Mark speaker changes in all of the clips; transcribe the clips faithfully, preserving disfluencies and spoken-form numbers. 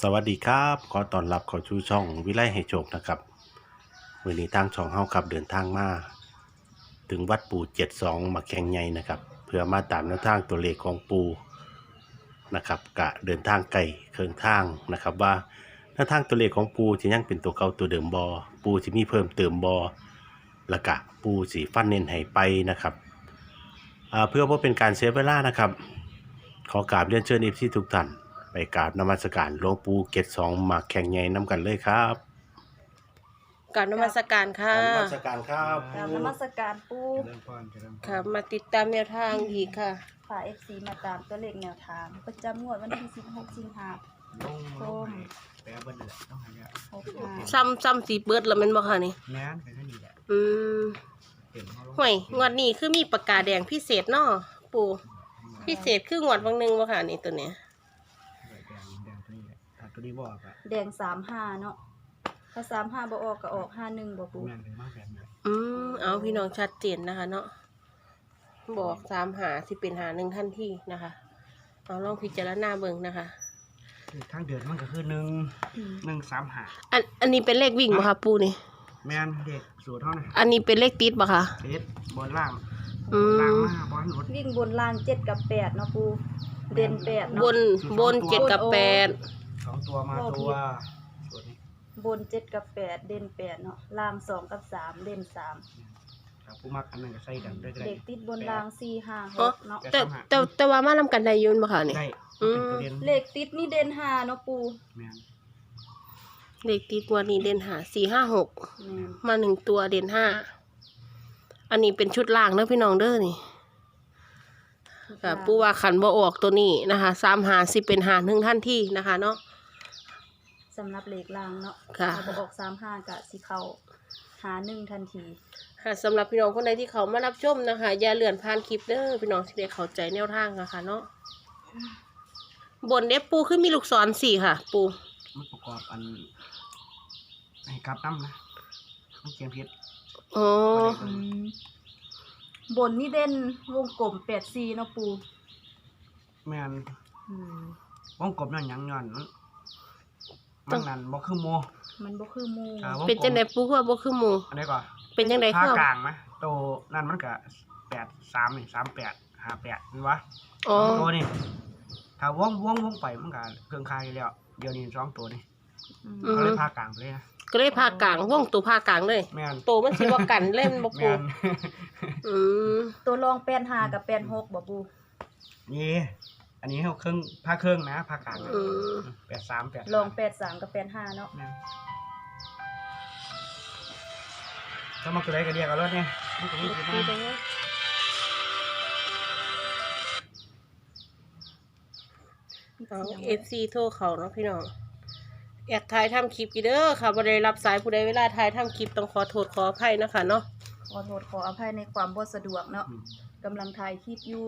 Speaker 1: สวัสดีครับขอต้อนรับเข้าสู่ช่องวิไลให้โชคนะครับมื้อนี้ทางช่องเฮาครับเดินทางมาถึงวัดปู่เจ็ดสิบสองมาแข่งใหญ่นะครับเพื่อมาตามแนวทางตัวเลขของปู่นะครับกะเดินทางไกลเครื่องทางนะครับว่าแนวทางตัวเลขของปู่สิยังเป็นตัวเก่าตัวเดิมบ่ปู่สิมีเพิ่มเติมบ่แล้วก็ปู่สิฟันเน้นให้ไปนะครับอ่าเพื่อบ่เป็นการเสียเวลานะครับขอกราบเรียนเชิญ เอฟ ซี ทุกท่านไปกราบนมัสการหลวงปู่เกศสองมาแข่งใหญ่น้ำกันเลยครับ
Speaker 2: กราบนมัสการค่ะ
Speaker 1: นมัสการครับ
Speaker 3: กราบนมัสการปู
Speaker 4: เริ่มป้อนจะเริ่ม
Speaker 2: ค่ะ มาติดตามแนวทางอีกค่ะ
Speaker 3: ฝ่ายเอฟซีมาตามตัวเลขแนวทาง ประจำงวดวันที่สิบหกสิงหา
Speaker 4: ลงลงให้แปะเบิ้ลเลยต้องหายา
Speaker 3: หกห้า
Speaker 2: ซ้ำซ้ำสีเบิดแล้วแมันบ่ค่ะนี่
Speaker 4: แม่นแค่นี้แหละ
Speaker 2: อืม
Speaker 4: เต็มเขาลง
Speaker 2: ห่วยงวดนี้คือมีปากกาแดงพิเศษเนาะปู่พิเศษคืองวดบางหนึงบ่ค่ะนี่ตัวเนี้ย
Speaker 4: แดงแดงตัวนี้แหละถ้าตัวนี้บอกอะ
Speaker 3: แดงสามห้าเนาะถ้าสามห้าบ่ออกก็ออกห้าหนึ่งบ่ปู
Speaker 4: แม่นถึงมากแบบนี้
Speaker 2: อืมเอาพี่น้องชัดเจนนะคะเนาะบอกสามหาสิเป็นหาหนึ่งทันทีนะคะเอาลองพิจารณาเบิ่งนะคะ
Speaker 4: คือทางเดือนมันก็คือหนึ่งหนึ่งสามหา
Speaker 2: อันอันนี้เป็นเลขวิ่งบ่คะปู่นี่
Speaker 4: แม่นเด็กสูตรเท่านั้น
Speaker 2: อันนี้เป็นเลขติดบ่คะ
Speaker 4: เด็ดบนล่าง
Speaker 2: อืม
Speaker 4: ล่างมาบอลรถ
Speaker 3: วิ่งบนล่างเจ็ดกับแปดเนาะปูเด่นแปด
Speaker 2: บ
Speaker 3: เนาะ
Speaker 2: นบนเจ็ดกับแปด
Speaker 4: สองตัวมาตัวสูตรนี้
Speaker 3: บนเจ็ดกับแปดเด่นแปดเนาะล่างสองกับสามเด่นสาม
Speaker 4: ถ้าผู้มักอันนั้นก็ใส่กันได้ก็ได้
Speaker 3: เด็กติดบนล่างสี่ห้าห
Speaker 2: อ๋อก
Speaker 3: เนาะ
Speaker 2: แต่แต่แต่ว่ามานํกันได้อยืนบ่ค่ะนี่
Speaker 4: ได้เป็นตัวเด่น
Speaker 3: เลขติดนี่เด่นห้าเนาะปู
Speaker 4: แม่น
Speaker 2: เลขติดงวดนี้เด่นหาสี่ห้าหก
Speaker 3: แม่น
Speaker 2: มาหนึ่งตัวเด่นห้าอันนี้เป็นชุดล่างเด้อพี่น้องเด้อนี่ค่ะปูว่าขันบ่ออกตัวนี้นะคะสามหาสิเป็นหาหนึ่งท่านที่นะคะเนาะ
Speaker 3: สำหรับเลขล่างเนาะ
Speaker 2: ค่ะ
Speaker 3: ถ้าบ่ออกสามห้ากะสิเข้าหาหนึ่งทันที
Speaker 2: ค่ะสำหรับพี่น้องคนใดที่เขามารับชมนะคะอย่าเลื่อนผ่านคลิปเด้อพี่น้องที่ได้เข้าใจแนวทางนะคะเนาะบนเด็บปูขึ้นมีลูกศรสี่ค่ะ ปู
Speaker 4: มันประกอบอันให้กลับน้ำนะมันเกียงพิษ
Speaker 2: อ๋อ
Speaker 3: อืมบนนี่เด่นวงกลมแปดสี่เนาะปู
Speaker 4: แม่น
Speaker 3: อืม
Speaker 4: วงกบนั่นหยังย้อนมันมันนั่นบ่คือโม
Speaker 3: มันบ่คือหมู
Speaker 4: อ่าวงกลม
Speaker 2: เป็นจังไดปูคือว่าบ่คือหมู่
Speaker 4: อันนี้ก่อน
Speaker 2: เป็นจังได
Speaker 4: ภา
Speaker 2: คือ
Speaker 4: กลางไหมโตนั่นมันก็แปดสามนี่สามแปดห้าแปดนี่วะ
Speaker 2: อ๋อ
Speaker 4: ตัวนี่ถ้าวงวงวงไปมันก็เครื่องคายอยู่แล้วเดี๋ยวนี้สองตัวนี่
Speaker 3: อืม
Speaker 4: เขาเลยภาคกลางไปเลยนะ
Speaker 2: ก็เลยพากลางวงตัวพากลางเลย
Speaker 4: แม่น
Speaker 2: โตมันสิว่ากันเล่นบ่ปู
Speaker 4: แม่น
Speaker 2: อืม
Speaker 3: ตัวรองแปดห้ากับแปดหกบ่ปู
Speaker 4: นี่อันนี้เขาเครื่องภาคเครื่องนะภาคกลาง
Speaker 2: อืม
Speaker 4: แปดสามแปด
Speaker 3: รองแปดสามกับแปดห้าเนาะ
Speaker 4: แม่นถ้ามาตัวไหนก็เรียกเอารถเนี่ยมันก็มีสิบห้า
Speaker 2: เอาเอฟซีโทรเขาเนาะพี่น้องอยากถ่ายทำคลิปกี่เด้อค่ะบ่ได้รับสายผู้ใดเวลาถ่ายทำคลิปต้องขอโทษขออภัยนะคะเนาะ
Speaker 3: ขอโทษขออภัยในความบ่สะดวกเนาะ
Speaker 4: อืม
Speaker 3: กำลังถ่ายคลิปอยู่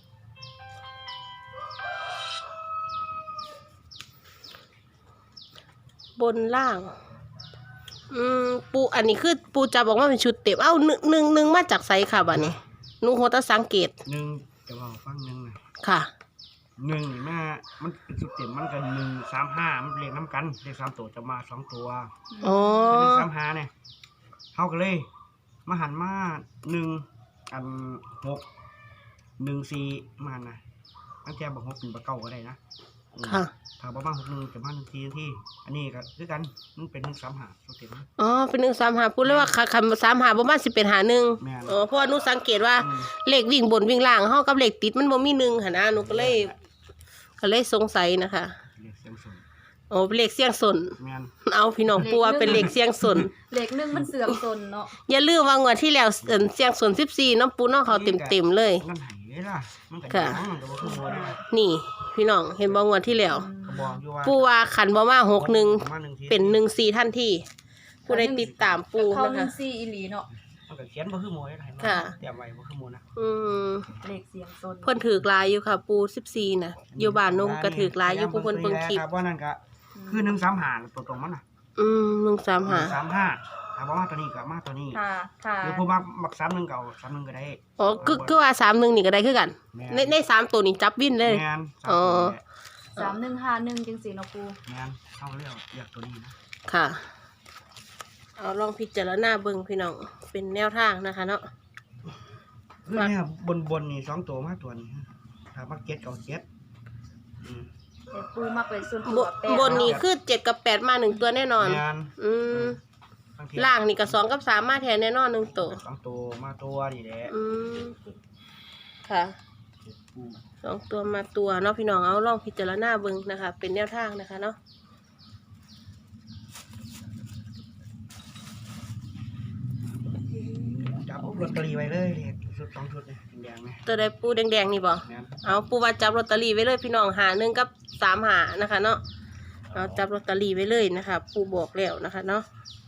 Speaker 2: บนล่าง อืมปูอันนี้คือปูจะบอกว่าเป็นชุดเต็มเอ้าหนึ่งหนึ่งหนึ่งมาจากไสค่ะบัดนี้หนูโหตสังเกต
Speaker 4: หนึ่งจะว่าฟังหนึ่งนะ
Speaker 2: ค่ะ
Speaker 4: หนึ่งนี่แม่มันเป็นสุดเต็มมันกันหนึ่งสามห้ามันเรียงน้ำกันเลขสามตัวจะมาสองตัว
Speaker 2: อ๋อ
Speaker 4: เลขสามห้าเนี่ยเขากันเลยมาหันมาหนึ่งอันหกหนึ่งสี่มาหันนะตั้งแต่บอกหกเป็นบะเก้าก็ได้นะอืม
Speaker 2: ค่ะ
Speaker 4: ถ้าบอกมาหกหนึ่งจะมาหนึ่งสี่ที่อันนี้ก็คือกันมันเป็นหนึ่งสามห้าสุดเต็มนะ
Speaker 2: อ๋อเป็นหนึ่งสามหาพูดเลยว่าคำสามหาประมาณสิบเป็นหาหนึ่ง
Speaker 4: แม่น
Speaker 2: อ๋อเพราะว่าหนูสังเกตว่า
Speaker 4: อืม
Speaker 2: เลขวิ่งบนวิ่งล่างเฮากับเลขติดมันบ่มีหนึ่งหันนะหนูก็เลยก็เลยสงสัยนะคะ
Speaker 4: เลขเสียงสูง
Speaker 2: อ๋อเป็นเลขเสียงสน
Speaker 4: แม่น
Speaker 2: เอาพี่น้องปูว่าเป็นเลขเสียงสน
Speaker 3: เลขหนึ่งมันเสื่อมตนเนาะ
Speaker 2: อย่าลืมว่างวดที่แล้วเอิ่นเสียงสนสิบสี่น้องปูน้องเขาเต็มๆเลย
Speaker 4: นั่นไหนเลยล่ะมันก็
Speaker 2: ค่ะ
Speaker 4: ยังมันก็บ่คือโมได้
Speaker 2: นี่ พี่น้องเห็นบ่งวดที่แล้ว
Speaker 4: ก็บอกอยู่ว่า
Speaker 2: ปูว่าขันบ่มาหกหนึ่ง
Speaker 4: มาหนึ่งที
Speaker 2: เป็นหนึ่งสี่ทันทีผู้ใดติดตามปู
Speaker 3: เข้า
Speaker 2: นะ
Speaker 3: หนึ่
Speaker 2: คะ
Speaker 3: งสี่อีหลีเนาะ
Speaker 4: มันก็เขียนบ่คือโมได้ไหน
Speaker 2: ค่ะ
Speaker 4: เตรียมไว้บ่คือโมนะ
Speaker 2: อืม
Speaker 3: เลขเสียงตน
Speaker 2: เพิ่นถือกลายอยู่ค่ะ ปูสิบสี่น่ะอยู่บ้านนุ่มก็ถือกลายอยู่ผู้เพิ่นเบิ่งคลิป
Speaker 4: ครับว่านั่นก็คือหนึ่งสามห้าตัวตรงมันน่ะ
Speaker 2: อืมหนึ่งสามหา
Speaker 4: สามห้าถามว่ามาตัวนี้ก็มาตัวนี้
Speaker 3: ค่ะค่ะ
Speaker 4: หรือผู้มักมักสามหนึ่งเก่าสามหนึ่งก็ได้
Speaker 2: อ๋อคือคือว่าสามหนึ่งนี่ก็ได้คือกัน
Speaker 4: แม่
Speaker 2: ในในสามตัวนี้จับวินเลย
Speaker 4: แม่นสาม
Speaker 2: อ๋อ
Speaker 4: ตัวนี่แหละ
Speaker 3: สามหนึ่งห้าหนึ่งจังสี่เนาะปู
Speaker 4: แม่นเฮาก็เลยเอาเลือกตัวนี้นะ
Speaker 2: ค่ะ เอาลองพิจารณาเบิ่งพี่น้องเป็นแนวทางนะคะเนาะ
Speaker 4: คือเนี่ยบนบนนี่สองตัวมาตัวนี้ถ้ามาเก็ตเอาเก็ตอืม
Speaker 3: แต่ปูมักเป็นส่วน
Speaker 2: บ
Speaker 3: ตัวแปด
Speaker 2: บนนี้คือเจ็ดกับแปดมาหนึ่งตัวแน่นอน
Speaker 4: แม่น
Speaker 2: อืม
Speaker 4: บางที
Speaker 2: ล่างนี่กับสองกับสามมาแทนแน่นอนหนึ่งตัว
Speaker 4: สองตัวมาตัวนี่แหละ
Speaker 2: อืมค่ะสองตัวมาตัวเนาะพี่น้องเอาลองพิจารณาเบิ่งนะคะ เป็นแนวทางนะคะเนาะ
Speaker 4: จับลอตเตอรี่ไว้เลยเลขชุดสองชุดเนี่ยแดงๆไหม
Speaker 2: ตัวใดปูแดงๆนี่บ่
Speaker 4: แม่น
Speaker 2: เอาปูว่าจับลอตเตอรี่ไว้เลยพี่น้องหาหนึ่งกับสามหานะคะเนาะเอาจับลอตเตอรี่ไว้เลยนะคะ ปูบอกแล้วนะคะเนาะ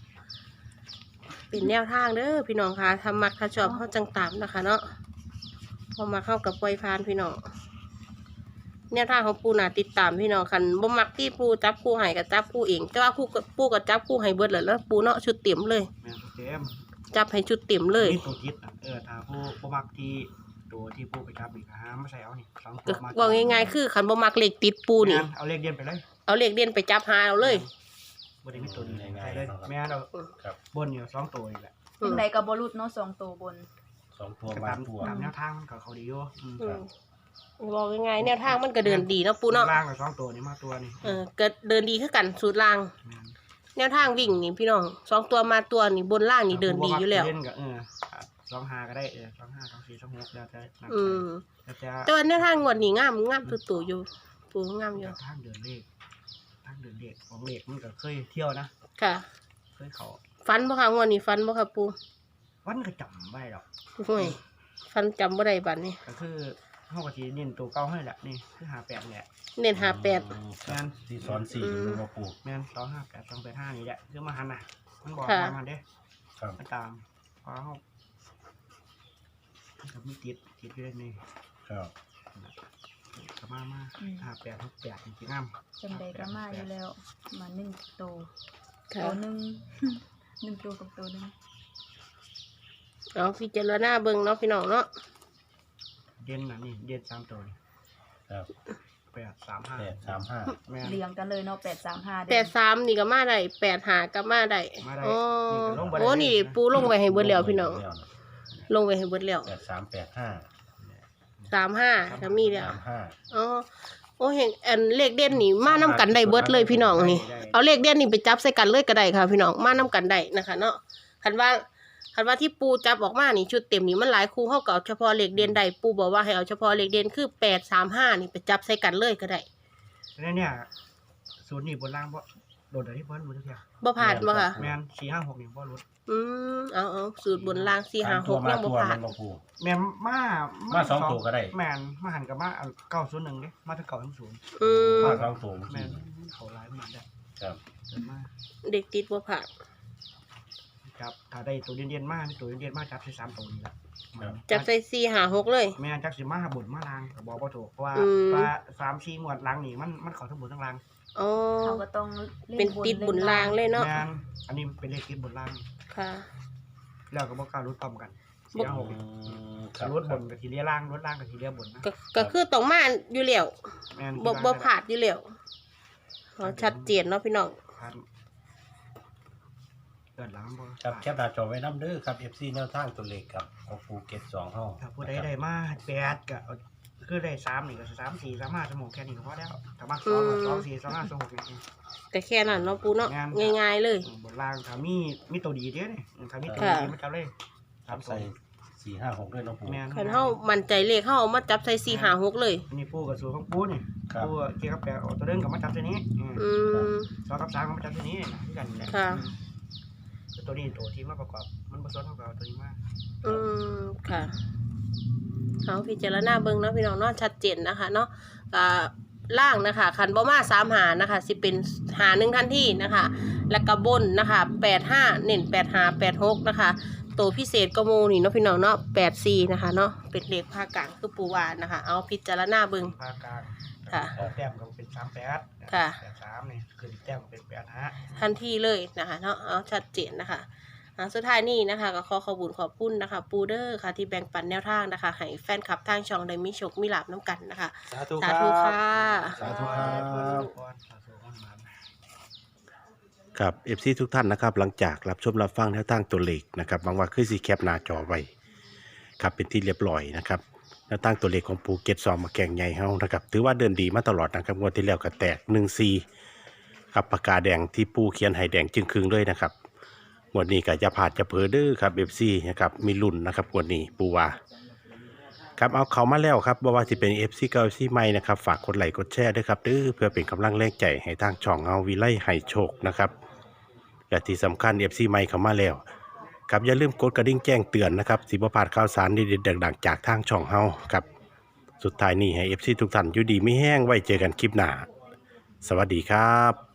Speaker 2: เป็นแนวทางเด้อพี่น้องค่ะทำมักถ้าชอบเข้าจังตามนะคะเนาะพอมาเข้ากับปล่อยพานพี่น้องแนวทางของปูน่ะติดตามพี่น้องคันบ่มักที่ปูจับคู่ให้กับจับคู่เองแต่ว่าคู่กับปูกับจับคู่ให้เบิดเลยแล้วปูเนาะชุดเต็มเลย
Speaker 4: แม่นเต็ม
Speaker 2: จับให้ชุดเต็มเลย
Speaker 4: นี่ตัวคิดอ่ะเออถ้าผู้ผู้มักที่ตัวที่ผู้ไปจับอีกหาไม่ใส่เอานี่สองตั
Speaker 2: ก็
Speaker 4: วมา
Speaker 2: บอกง่ายๆคือคันบ่มักเลขติดปูนี่
Speaker 4: แม่เอาเลขเดียนไปเลย
Speaker 2: เอาเลขเด่นไปจับหาเอาเลย
Speaker 4: บนนี้มีตัวนี้ใส่เลยแม่เรา
Speaker 1: ครับ
Speaker 4: บนอยู่สองตัวนี่แหละ
Speaker 3: จังใดกับบรุษเนาะสองตัวบน
Speaker 1: สองตัว
Speaker 4: ก็
Speaker 1: มา
Speaker 4: ตาม
Speaker 1: ตัว
Speaker 4: ตามแนวทางมันก็เขาดีอยู่อืม
Speaker 2: อืมบอกง่ายๆแนวทางมันก็เดินดีเนาะปูเนาะ
Speaker 4: ล่างกับสองตัวนี่มาตัวนี่
Speaker 2: เออก็เดินดีคือกันสูตรล่าง
Speaker 4: แม่น
Speaker 2: แนวทางวิ่งนี่พี่น้องสองตัวมาตัวนี่บนล่างนี่เดินดีอยู่แล้ว
Speaker 4: เล่นกับเออสองห้าก็ได้เออสองห้าสองสี่สองหกแล้วแต่นั่น
Speaker 2: อืม
Speaker 4: แล้วแต่
Speaker 2: แต่ว่าแนวทางงวดนี้งามงามตัวตัวอยู่ปูงามอยู่
Speaker 4: ทางเดินเลขทางเดินเลขของเลขมันก็เคยเที่ยวนะ
Speaker 2: ค่ะ
Speaker 4: เคยเขา
Speaker 2: ฟันบ่ค่ะงวดนี้ฟันบ่ค่ะปู
Speaker 4: วันก็จำไม่หรอก
Speaker 2: ห่วยฟันจำบ่ได้บัดนี้
Speaker 4: ก็คือเฮาก็สิเน้นตัวเก่าให้แหละนี่คือห้าแปดแหละ
Speaker 2: เน้นหาแปด
Speaker 1: ครับที่สอนสี่อยู่มาปู
Speaker 4: แม่นสองห้าแปดสองแปดห้านี่แหละคือมาหันน่ะมันบอก
Speaker 2: ค่ะ
Speaker 4: มามันเด้
Speaker 1: ครับ
Speaker 4: มาตามเพราะเฮามันก็มีติดติดอยู่ในนี่
Speaker 1: ครับ
Speaker 4: ก็มามา
Speaker 3: อืม
Speaker 4: ห้าแปดหกแปดจริงๆงาม
Speaker 3: จังใดก็มาอยู่แล้ว มาหนึ่งตัว
Speaker 2: ค่ะ
Speaker 3: ตัวหนึ่ง หนึ่งตัวกับตัวหนึ่ง
Speaker 2: เอาพิจารณาเบิ่งเนาะพี่น้องเนาะ
Speaker 4: เด่นน่ะนี่เด่นสามตัวนี่
Speaker 1: ครับ
Speaker 4: แปดสามห้า
Speaker 1: แปดสามห้า
Speaker 4: แม่น
Speaker 3: เรียงกันเลยเนาะแปดสามห้า
Speaker 2: แปดสามนี่ก็มาได้แปดหาก็มาได้
Speaker 4: มาได้
Speaker 2: อ๋อ
Speaker 4: นี่ก็ลงไปได้
Speaker 2: โอ้นี่ปูลงไว้ให้เบิดแล้วพี่น้องลงไว้ให้เบิดแล้ว
Speaker 1: แปดสามแปดห้า
Speaker 2: สามห้าก็มีแล้ว
Speaker 1: สามห้า
Speaker 2: อ๋อโอ้เห็นอันเลขเด่นนี่มานํกันได้เบิดเลยพี่น้องนี่
Speaker 4: ได้
Speaker 2: เอาเลขเด่นนี่ไปจับใส่กันเลยก็ได้ค่ะพี่น้องมานํกันได้นะคะ เนาะคันว่าคันว่าที่ปูจับออกมานี่ชุดเต็มนี่มันหลายคู่เฮาก็เอาเฉพาะเลขเด่นได้ปูบอกว่าให้เอาเฉพาะเลขเด่นคือแปดสามห้านี่ไปจับใส่กันเลยก็ได้
Speaker 4: แล้วเนี่ยศูนย์นี่บนล่างบ่โดดเดี๋ยวที่เพิ่นบ่ทุกอย่าง
Speaker 2: บ่ผ่านบ่ค่ะ
Speaker 4: แม่นสี่ห้าหกนี่บ่ลด
Speaker 2: อืมเอาเอาสูตรบนล่างสี่ห้าห
Speaker 1: ตัว
Speaker 2: ก
Speaker 1: มา
Speaker 2: ยังบ่
Speaker 1: ตัว
Speaker 2: ผ่า
Speaker 1: มัน นมาปู
Speaker 4: แม่นมา
Speaker 1: มาสองตัวก็ได้
Speaker 4: แม่นมาหันกับมาเก้าศูนย์หนึ่งเด้มาถึงเก้าทั้งศูนย์
Speaker 2: อืม
Speaker 1: มาสองตัว
Speaker 4: แม่นเขาหลายมาได้
Speaker 1: ครับ
Speaker 4: เดินมา
Speaker 2: เด็กติดบ่ผ่าน
Speaker 4: จับถ้าได้ตัวเด่นๆมามีตัวเด่นๆมาจับใส่สามตัวนี่ล่ะ
Speaker 2: จับใส่สี่ห้าหกเลย
Speaker 4: แม่นจักสิมาบนมาล่างก็บอกบ่ถูกเพราะว่า
Speaker 2: อืม
Speaker 4: ว่าสามสี่งวดหลังนี่มันมันเข้าทั้งบนทั้งล่าง
Speaker 2: อ๋อ
Speaker 3: เขาก็ต้องล่
Speaker 2: เป็นติดบุญลางเลยเนาะ
Speaker 4: แม่นอันนี้เป็นเลขติดบนล่าง
Speaker 2: ค่ะ
Speaker 4: แล้วก็บ่กล้ารุดพร้อมกัน
Speaker 2: บ่
Speaker 4: สี่ห้าหก
Speaker 1: อืมครับ
Speaker 4: รุดบนกับทีเลียล่างรุดล่างกับทีเลียบนนะ
Speaker 2: ก็ก็คือต้องมาอยู่แล้ว
Speaker 4: แม่น
Speaker 2: บ่บ่ผ่านอยู่แล้วอ๋อชัดเจนเนาะพี่น้อง
Speaker 4: ผ่านเกิดหลังบ่
Speaker 1: ครับแคปหน้าจอไว้น้ำเด้อครับ เอฟ ซี แนวทางตัวเลขครับของปูเก็ตสองห้อง
Speaker 4: ถ้าผู้ใดได้มาแปดก็เอาคือได้สามนี่ก็สามสี่สามห้าสมองแค่นี้ก็พอแล้วถ้ามาสองก็สองสี่สองห้าสองหกนี่
Speaker 2: แต่แค่นั้นเนาะปูเนาะ
Speaker 4: งาน
Speaker 2: ง่ายๆเลย
Speaker 4: บนล่างถ้ามีมีตัวดีเด้อนี่ถ้ามีตัว
Speaker 2: ค่ะ
Speaker 4: ดีมันจะเลยสา
Speaker 1: จั
Speaker 4: ม
Speaker 1: บ
Speaker 4: ใส่
Speaker 1: ใส่สี่ห้าหกด้วยเน้องปู
Speaker 4: แม่น
Speaker 2: คันเฮามั่นใจเลขเฮาเอามาจับใส่สี่ห้าหกเลย
Speaker 4: อันนี้ปูกับสูตรของปูนี่
Speaker 1: ครับ
Speaker 4: ปูเกี่ยวกับแปดเอาตัวเดินกับมาจับตัวนี้อืม
Speaker 2: อืม
Speaker 4: สองกับสามก็มาจับตัวนี้นะที่กันนี่แหละ
Speaker 2: ค่ะ
Speaker 4: อืมคือตัวนี้ตัวที่มาประกอบมันผสมเท่ากับเอาตัวนี้มา
Speaker 2: อืมค่ะเอาพิจารณาเบิ่งเนาะพี่น้องเนาะชัดเจนนะคะเนาะอ่าล่างนะคะคันบ่มาสามหานะคะ สิเป็นหาหนึ่งทันทีนะคะ แล้วก็บนนะคะแปดห้าเน้นแปดห้าแปดหกนะคะตัวพิเศษก็โมนี่เนาะพี่น้องเนาะแปดสี่นะคะเนาะเป็นเลขภาคกลางคือปูวานนะคะ เอาพิจารณาเบิ่ง
Speaker 4: ภาคกลาง
Speaker 2: ค่ะ
Speaker 4: แต้มก็เป็นสามแปด
Speaker 2: ค่ะ
Speaker 4: แปดสามนี่คือแต้มก็เป็นแปดห้า
Speaker 2: ทันทีเลยนะคะเนาะเอาชัดเจนนะคะอ่าสุดท้ายนี้นะคะก็ขอขอบคุณขอบคุณนะคะปูเดอร์ค่ะที่แบ่งปันแนวทางนะคะให้แฟนคลับทางช่องได้มีโชคมีลาภน้ำกันนะคะ
Speaker 1: สาธุ
Speaker 2: สาธุค่ะ
Speaker 1: สาธุครับ
Speaker 4: สาธุครับ
Speaker 1: ครับ เอฟ ซี ทุกท่านนะครับหลังจากรับชมรับฟังแนวทางตัวเลขนะครับหวังว่าคือสีแคปหน้าจอไว้ครับเป็นที่เรียบร้อยนะครับแนวทางตัวเลขของปูเก็ตซองมาแกงใหญ่เฮานะครับถือว่าเดินดีมาตลอดนะครับงวดที่แล้วก็แตกหนึ่งซีครับปากกาแดงที่ปูเขียนให้แดงจึงครึ่งเลยนะครับงวดนี้ก็จะผ่านจะเผลอเด้อครับ เอฟ ซี นะครับมีลุ้นนะครับงวดนี้ปูว่าครับเอาเขามาแล้วครับบ่ว่าจะเป็น เอฟ ซี เก่า เอฟ ซี ใหม่นะครับฝากกดไลค์กดแชร์ด้วยครับเด้อเพื่อเป็นกำลังแรงใจให้ทางช่องเฮาวิไลให้โชคนะครับและที่สำคัญ เอฟ ซี ใหม่เข้ามาแล้วครับอย่าลืมกดกระดิ่งแจ้งเตือนนะครับสิบ่พลาดข่าวสารดีๆดังๆจากทางช่องเฮาครับสุดท้ายนี้ให้ เอฟ ซี ทุกท่านอยู่ดีไม่แห้งไว้เจอกันคลิปหน้าสวัสดีครับ